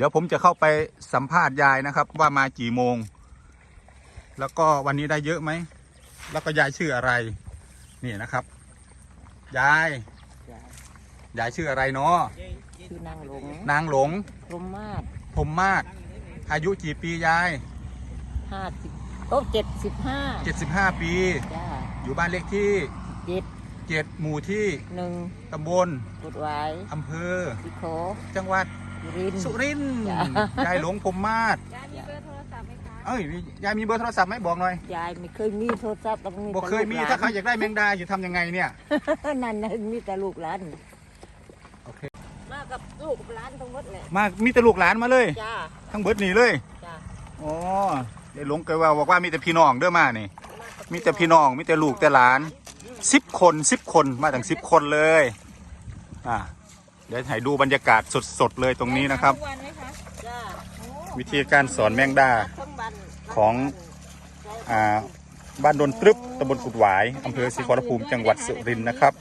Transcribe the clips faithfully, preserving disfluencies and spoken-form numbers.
ดี๋ยวผมจะเข้าไปสัมภาษณ์ยายนะครับว่ามากี่โมงแล้วก็วันนี้ได้เยอะไหมแล้วก็ยายชื่ออะไรนี่นะครับยายยายชื่ออะไรเนาะชื่อนางหลงนางหลงพรหมมาศพรหมมาศอายุกี่ปียายห้าสิบโอ้เจ็ดสิบห้าเจ็ดสิบห้าปีจ้าอยู่บ้านเลขที่เจ็ดเจ็ดหมู่ที่หนึ่งตำบลกุดหวายอำเภอสิโขจังหวัดสุรินทร์ยายหลงพรหมมาศยายมีเบอร์โทรศัพท์ไหมคะเอ้ยยายมีเบอร์โทรศัพท์ไหมบอกหน่อยยายไม่เคยมีโทรศัพท์ต้องมีบอกเคยมีถ้าใครอยากได้แมงดาอยู่ทำยังไงเนี่ยนั่นนั่นมีแต่ลูกหลานโอเคมากับลูกหลานทั้งหมดเลยมามีแต่ลูกหลานมาเลยจ้าทั้งเบิดนี่เลยจ้าอ๋อยายหลงเคยว่าบอกว่ามีแต่พี่น้องเด้อมานี่มีแต่พี่น้องมีแต่ลูกแต่หลานสิบคนสิบคนมาถึงสิบคนเลยอ่าเดี๋ยวให้ดูบรรยากาศสดๆเลยตรงนี้นะครับวิธีการสอนแมงดาของอ่าบ้านดนตรึบตำบลกุดหวายอำเภอศรีขอรภูมิจังหวัดสุรินทร์นะครับ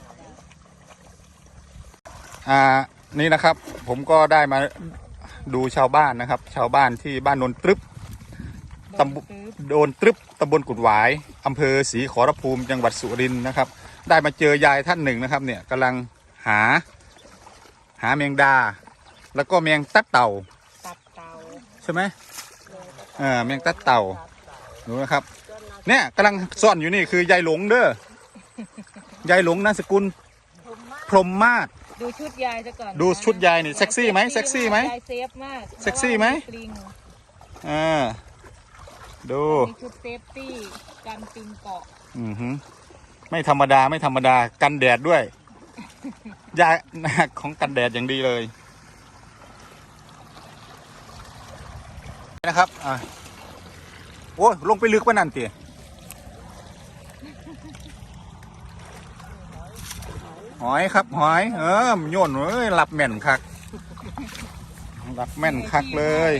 อ่านี่นะครับผมก็ได้มาดูชาวบ้านนะครับชาวบ้านที่บ้านดนตรึบตำบลโดนตรึบตำบลกุดหวายอำเภอศรีขอรภูมิจังหวัดสุรินทร์นะครับได้มาเจอยายท่านหนึ่งนะครับเนี่ยกำลังหาหาแมงดาแล้วก็แมงตัดเต่าตัดเต่าใช่ไหมเออแมงตัดเต่าดูนะครับเนี่ยกำลังซ่อนอยู่นี่คือยายหลงเด้อยายหลงนามสกุลพรหมมาศดูชุดยายซะก่อนดูชุดยายนี่เซ็กซี่ไหมเซ็กซี่ไหมยายเซฟมากเซ็กซี่ไหมอ่าดูมีชุดเซฟตี้กันปิงเกาะอือฮึไม่ธรรมดาไม่ธรรมดากันแดดด้วยยาของกันแดดอย่างดีเลยนะครับอ่าโอ้ลงไปลึกป่ะนั่นตีหอยครับหอยเออโยนเอ้ยหลับแม่นคักหลับแม่นคักเลย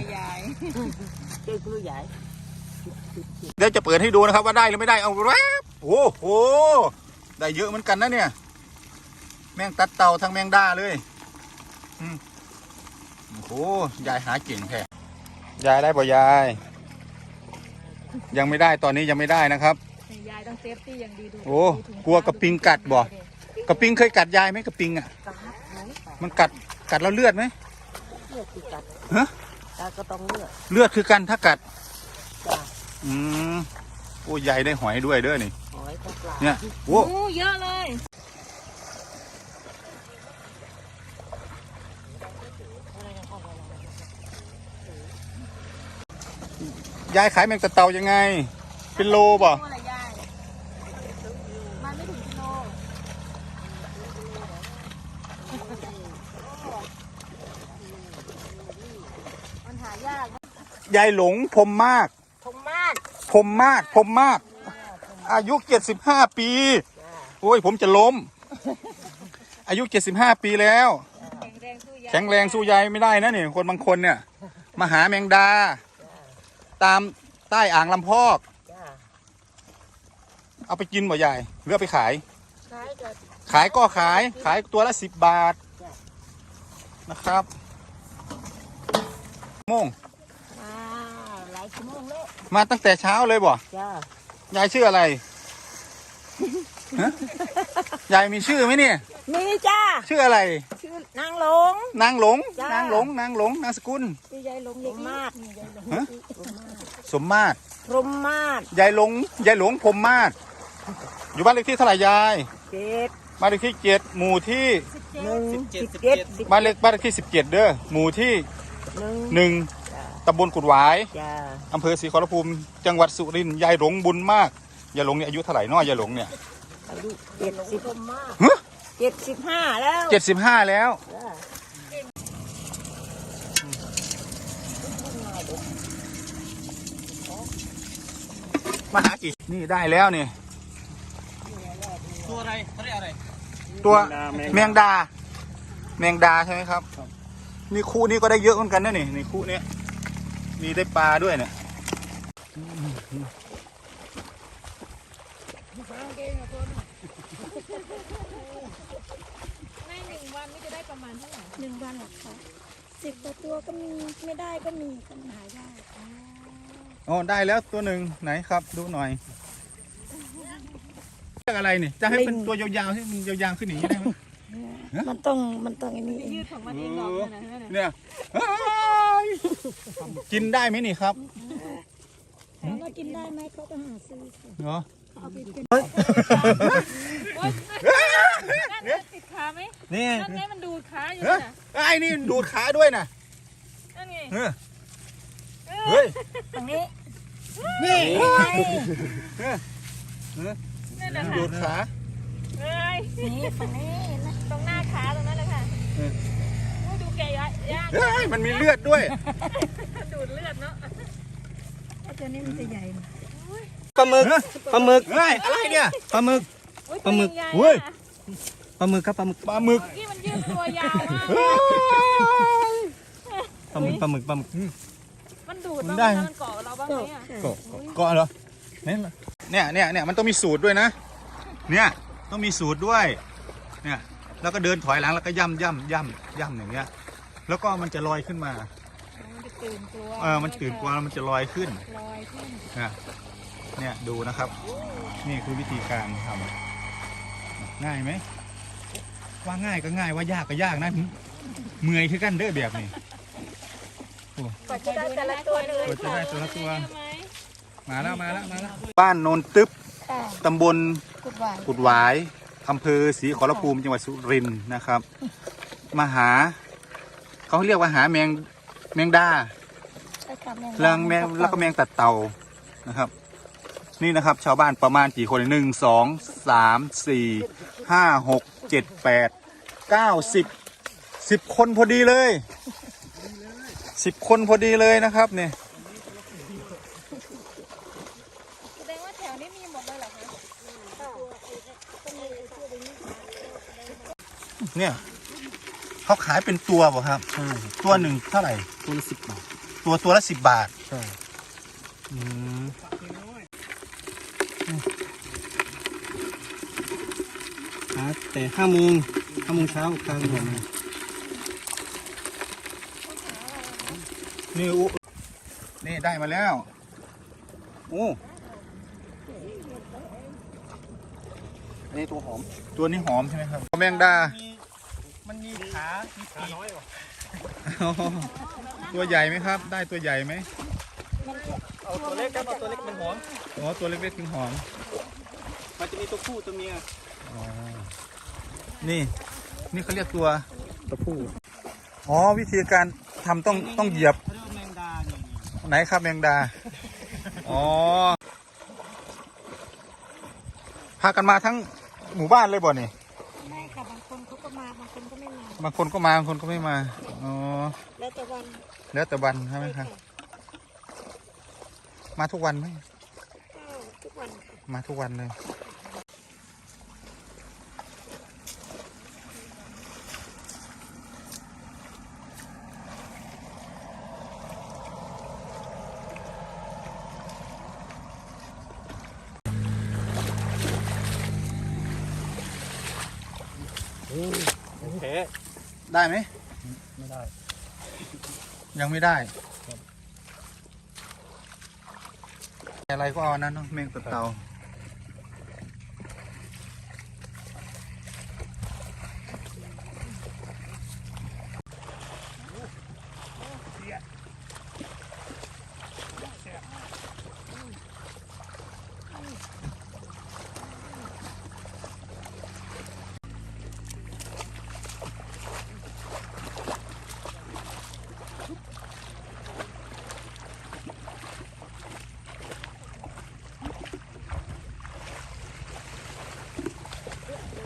เดี๋ยวจะเปิดให้ดูนะครับว่าได้หรือไม่ได้เอาแวบโอ้โหได้เยอะเหมือนกันนะเนี่ยแมงตัดเต่าทั้งแมงดาเลยอืมโอ้โหยายหาเก่งแท้ยายได้ป่ะยายยังไม่ได้ตอนนี้ยังไม่ได้นะครับยายต้องเซฟตี้อย่างดีดูโอ้กลัวกระปิงกัดบ่กระปิงเคยกัดยายไหมกระปิงอ่ะมันกัดกัดแล้วเลือดไหมเลือดคือกัดฮะก็ต้องเลือดเลือดคือกันถ้ากัดอืมโอ้ยายได้หอยด้วยเด้อนี่หอยปลาเนี่ยโอ้เยอะเลยยายขายแมงตะเต่ายังไงเป็นโลบ่มันไม่ถึงกิโลมันหายากยายหลงพรหมมาศพรหมมาศพรหมมาศพรหมมาศอายุเจ็ดสิบห้าปีโอ้ยผมจะล้มอายุเจ็ดสิบห้าปีแล้วแข็งแรงสู้ยายไม่ได้นะนี่คนบางคนเนี่ยมาหาแมงดาตามใต้อ่างลำพอกเอาไปกินบ่ยายหรือเอาไปขายขายก็ขายขายตัวละสิบบาทนะครับโมงหลายชั่วโมงแล้วมาตั้งแต่เช้าเลยบ่ยายชื่ออะไรยายมีชื่อไหมเนี่ยมีจ้าชื่ออะไรชื่อนางหลงนางหลงนางหลงนางหลงนามสกุลยายหลงพรหมมาศสมมาศพรหมมาศยายหลงยายหลงพรหมมาศอยู่บ้านเลขที่เท่าไหร่ยายเจ็ดบ้านเลขที่เจ็ดหมู่ที่หนึ่งสิบเจ็ดบ้านเลขบ้านเลขที่สิบเจ็ดเด้อหมู่ที่หนึ่งตำบลกุดหวายอำเภอศรีขอรภูมิจังหวัดสุรินทร์ยายหลงบุญมากยายหลงเนี่ยอายุเท่าไหร่น้อยยายหลงเนี่ยอายุเจ็ดสิบเจ็ดสิบห้าแล้วเจ็ดสิบห้าแล้วมาหากี่นี่ได้แล้วนี่ตัวอะไรเขาเรียกอะไรตัวแมงดาแมงดาใช่ไหมครับนี่คู่นี้ก็ได้เยอะเหมือนกันนะนี่ในคู่นี้มีได้ปลาด้วยเนี่ยในหนึ่งวันนี่จะได้ประมาณเท่าไหร่หนึ่งวันหรอคะสิบกว่าตัวก็มีไม่ได้ก็มีปัญหายากอ๋อได้แล้วตัวหนึ่งไหนครับ ดูหน่อยเรียกอะไรนี่จะให้เป็นตัวยาวๆให้มันยาวๆขึ้นอย่างนี้ได้ไหมมันต้องมันต้องอันนี้เองยืดของมันเองหรอกนั่นน่ะนั่นน่ะเนี่ยอ้ายกินได้ไหมนี่ครับถามว่ากินได้ไหมเขาก็หาซื้อค่ะเหรอเอาไปกินโอ๊ยนั่นน่ะติดขาไหมนี่นั่นไงมันดูดขาอยู่เฮ้ยน่ะไอ้นี่ดูดขาด้วยนะนั่นไงเออเฮ้ยตรงนี้นี่นั่นแหละค่ะดูดขาเอ้ยนี่ฝั่งนี้นะตรงหน้าขาตรงนั้นเลยค่ะเออโอ้ยดูแกยากยากเฮ้ยมันมีเลือดด้วยดูดเลือดเนาะไอ้ตัวนี้มันจะใหญ่หน่อยปลาหมึกปลาหมึกเฮ้ยอะไรเนี่ยปลาหมึกโอ้ยปลาหมึกตัวใญ่ๆเฮ้ยอะปลาหมึกครับปลาหมึกปลาหมึกที่มันยืดตัวยาวมากเฮ้ยปลาหมึกปลาหมึกปลาหมึกมันดูดมันบ้างได้ไหมมันเกาะเราบ้างไหมอ่ะเกาะเกาะเหรอเนี่ยเนี่ยเนี่ยมันต้องมีสูตรด้วยนะ เนี่ยต้องมีสูตรด้วย เนี่ยแล้วก็เดินถอยหลังแล้วก็ย่ำย่ำย่ำย่ำอย่างเงี้ย แล้วก็มันจะลอยขึ้นมามันจะตื่นตัวเออ มันตื่นกว่าแล้วมันจะลอยขึ้นลอยขึ้นนะเนี่ยดูนะครับ นี่คือวิธีการทำง่ายไหม ว่าง่ายก็ง่ายว่ายากก็ยากนะเมื่อยคือกันเด้อแบบนี้กว่าจะได้แต่ละตัวเลยกว่าจะได้ตัวละตัวเยอะไหมมาแล้วมาแล้วมาแล้ว บ้านโนนตึ๊บค่ะตำบลกุดหวานกุดหวายอำเภอศรีขอรภูมิจังหวัดสุรินทร์นะครับ มาหา เขาเรียกว่าหาแมงแมงดาใช่ค่ะแรงแมงแล้วก็แมงตัดเต่านะครับ นี่นะครับ ชาวบ้านประมาณกี่คนหนึ่งสองสามสี่ห้าหกเจ็ดแปดเก้าสิบสิบคนพอดีเลยสิบคนพอดีเลยนะครับเนี่ยแสดงว่าแถวนี้มีหมดเลยเหรอคะเนี่ยเขาขายเป็นตัวเปล่ะครับใช่ตัวหนึ่งเท่าไหร่ตัวละสิบบาทตัวตัวละสิบบาทใช่อืมหาแต่ห้าโมงห้าโมงเช้ากลางวันนี่อุนี่ได้มาแล้วโอ้นี่ตัวหอม ตัวนี้หอมใช่ไหมครับแมงดามันมีขามีขาน้อยกว่าตัวใหญ่ไหมครับ ได้ตัวใหญ่ไหมเอาตัวเล็กครับเอาตัวเล็กมันหอมอ๋อตัวเล็กๆถึงหอมมันจะมีตัวผู้ตัวเมียอ๋อนี่ นี่เขาเรียกตัวตัวผู้อ๋อวิธีการทำต้องต้องเหยียบเขาเรียกว่าแมงดาเนี่ยไหนครับแมงดา อ๋อ พากันมาทั้งหมู่บ้านเลยบ่นี่ไม่ค่ะบางคนเขาก็มาบางคนก็ไม่มาบางคนก็มาบางคนก็ไม่มา อ๋อแล้วแต่วันแล้วแต่วันใช่ไหมครับ มาทุกวันไหมก็ทุกวันค่ะมาทุกวันเลยโอเคได้ไหมไม่ได้ยังไม่ได้อะไรก็เอาอันนั้นเนาะแมงตัดเตา